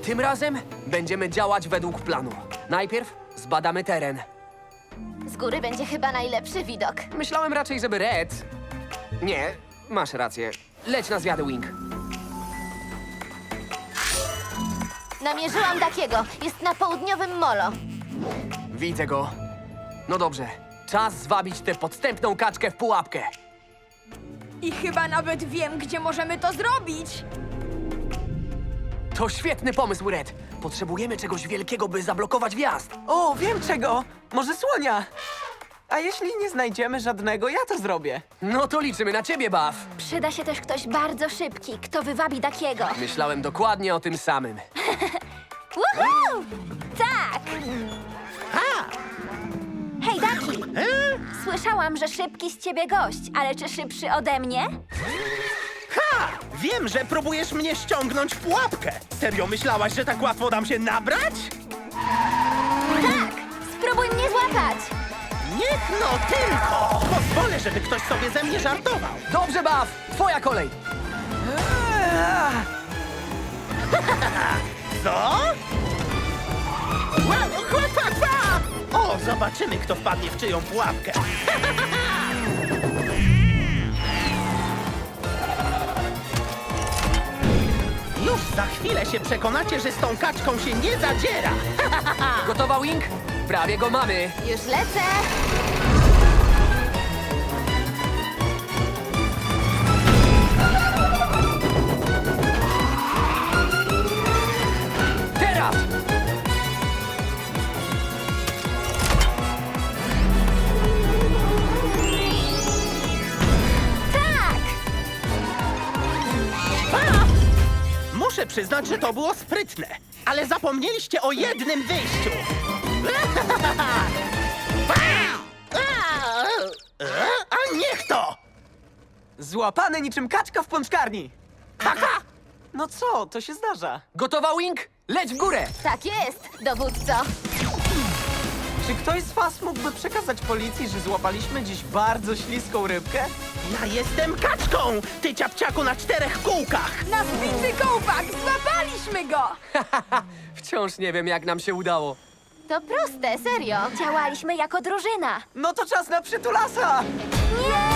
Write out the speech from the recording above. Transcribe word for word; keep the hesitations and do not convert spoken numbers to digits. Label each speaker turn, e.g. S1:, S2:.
S1: Tym razem będziemy działać według planu. Najpierw zbadamy teren.
S2: Z góry będzie chyba najlepszy widok.
S1: Myślałem raczej, żeby Red... Nie, masz rację. Leć na zwiady, Wing.
S2: Namierzyłam takiego. Jest na południowym molo.
S1: Widzę go. No dobrze, czas zwabić tę podstępną kaczkę w pułapkę.
S3: I chyba nawet wiem, gdzie możemy to zrobić.
S1: To świetny pomysł, Red. Potrzebujemy czegoś wielkiego, by zablokować wjazd.
S4: O, wiem czego! Może słonia! A jeśli nie znajdziemy żadnego, ja to zrobię.
S1: No to liczymy na ciebie, Buff.
S2: Przyda się też ktoś bardzo szybki, kto wywabi takiego.
S1: Myślałem dokładnie o tym samym.
S2: Woohoo! Tak! Hej, Daki! Słyszałam, że szybki z ciebie gość, ale czy szybszy ode mnie?
S5: Ha! Wiem, że próbujesz mnie ściągnąć w pułapkę. Serio myślałaś, że tak łatwo dam się nabrać?
S2: Tak! Spróbuj mnie złapać!
S5: Niech no tylko! Pozwolę, żeby ktoś sobie ze mnie żartował.
S1: Dobrze, Buff! Twoja kolej!
S5: Co? Wow, chła, chła, chła! O, zobaczymy, kto wpadnie w czyją pułapkę. Już za chwilę się przekonacie, że z tą kaczką się nie zadziera.
S1: Gotowa, Wing? Prawie go mamy.
S2: Już lecę!
S1: Teraz!
S2: Tak!
S5: Muszę przyznać, że to było sprytne, ale zapomnieliście o jednym wyjściu. A niech to!
S4: Złapany niczym kaczka w pączkarni!
S5: Taka!
S4: No co, to się zdarza.
S1: Gotowa, Wing? Leć w górę!
S2: Tak jest, dowódco!
S4: Czy ktoś z was mógłby przekazać policji, że złapaliśmy dziś bardzo śliską rybkę?
S5: Ja jestem kaczką, ty ciapciaku na czterech kółkach!
S3: Na zbity kołpak! Złapaliśmy go!
S1: Wciąż nie wiem, jak nam się udało.
S2: To proste, serio. Działaliśmy jako drużyna.
S4: No to czas na przytulasa!
S2: Nie!